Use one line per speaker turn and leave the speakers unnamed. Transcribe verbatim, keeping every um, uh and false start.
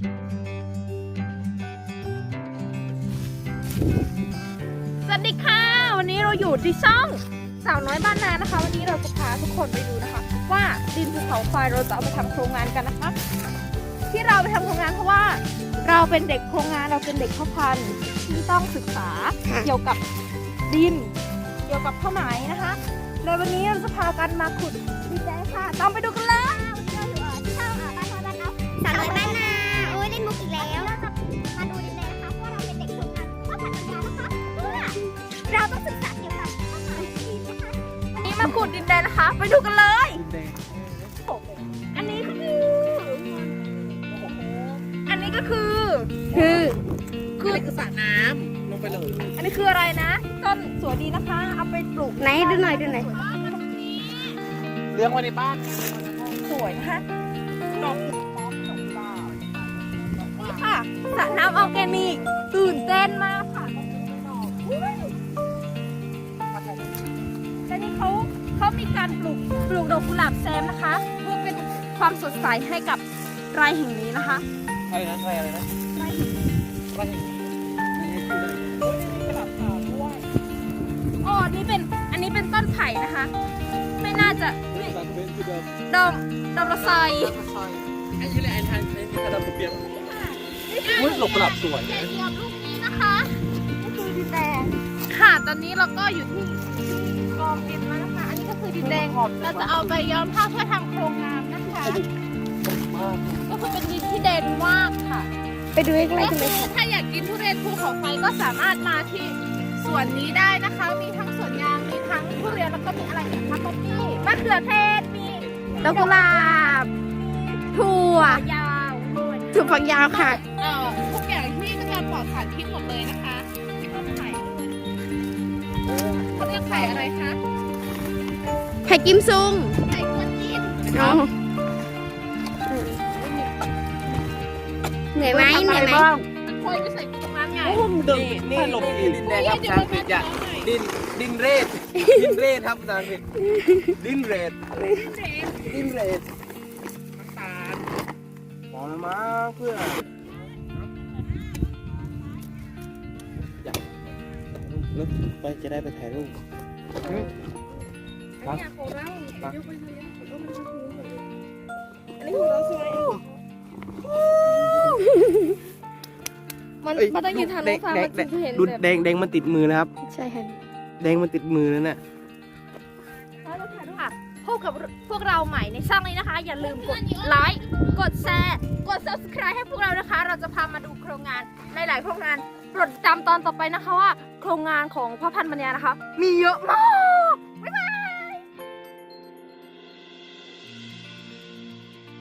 สวัสดีค่ะวันนี้เราอยู่ที่ช่องสาวน้อยบ้านนานะคะวันนี้เราจะพาทุกคนไปดูนะคะว่าดินภูเขาไฟเราจะเอาไปทำโครงงานกันนะคะที่เราไปทำโครงงานเพราะว่าเราเป็นเด็กโครงงานเราเป็นเด็กพ่อพันธุ์ที่ต้องศึกษาเกี่ยวกับดินเกี่ยวกับผ้าไหมนะคะในวันนี้เราจะพากันมาขุดดินแดงค่ะตามไปดูกันเลยเราอยู่ที่ช่องบ้านนาบ้านนาสาวน้อยบ้านนาโอ้ยเล่นมุกอีกแล้วเราจะมาดูดินแดงนะคะเพราะเราเป็นเด็กโครงงานพ่อพันธุ์นะคะเพื่อเราต้องศึกษาเกี่ยวกับผ้าไหมดินนะคะวันนี้มาขุดดินแดงนะคะไปดูกันเลยอันนี้ก็คืออันนี้ก็คือคือคืออะไรคือสระน้ำลงไปเลยอันนี้คืออะไรนะต้นสวยดีนะคะเอาไปปลูกไหนดูหน่อยดูหน่อย
เลี้ยงไว้ในบ้าน
สวยนะคะดอกนี่ค่ะสระน้ำออร์แกนิกตื่นเต้นมากค่ะและนี่เขาเขามีการปลูกปลูกดอกกุหลาบแซมนะคะเพื่อเป็นความสดใสให้กับไร่แห่งนี้นะคะ
อะไรนะอะไรอะไรนะ
ไร่แห่งนี้
ไร่แห่งนี้
อ๋อนี่เป็นอันนี้เป็นต้นไผ่นะคะไม่น่าจะดอมดอมละไซ
ไอ้ยี่เลยไอ้ทางไอ้ที่กระดำเปียกอุ้ยหลบกระดับสวยนะ
เกี่ยวกับลูกนี้นะคะนี่คือดินแดงค่ะตอนนี้เราก็อยู่ที่กองดินแล้วนะคะอันนี้ก็คือดินแดงเราจะเอาไปย้อมผ้าเพื่อทำโครงงานนะคะก็คือเป็นดินที่แดงมากค่ะไปดูใกล้ๆกันเลยถ้าอยากกินทุเรียนภูเขาไฟก็สามารถมาที่สวนนี้ได้นะคะมีทั้งสวนยางมีทั้งทุเรียนแล้วก็มีอะไรอีกคะป๊อปปี้มะเขือเทศมีดอกกุหลาบถั่วยาวถั่วฝักยาวค่ะเอ่อทุกอย่างที่เป็นการปลอดสารพิษหมดเลยนะคะที่ต้นไผ่เขาเรียกไผ่อะไรคะ
ไผ่กิมซุง
ไผ่กวนจีน
เหนื่อยไหมเหนื่อยไหม
มันคอยไปใส่ตรงนั้นไง
นี่นี่หลบดินแดงครับภาษาอังกฤษจ้ะดินดินเรดดินเรดครับภาษาอังกฤษดินเรดดินเรดตาลมองมาเพื่ออยากรถไปจะได้ไปถ่ายรูปครับ
อันนี้ของเราสวยมันมันต้องยืนทางนู้นฟ้ามันจะเห็น
ดูแดงแดงมันติดมือนะครับ
ใช่ค่ะ
แดงมันติดมือแล้วเนี่ย
พบกับพวกเราใหม่ในช่องนี้นะคะ อย่าลืมกดไลค์กดแชร์กด ซับสไครบ์ ให้พวกเรานะคะเราจะพามาดูโครงงานในหลายโครงงานโปรดติดตามตอนต่อไปนะคะว่าโครงงานของพ่อพันธุ์ปัญญานะคะมีเยอะมา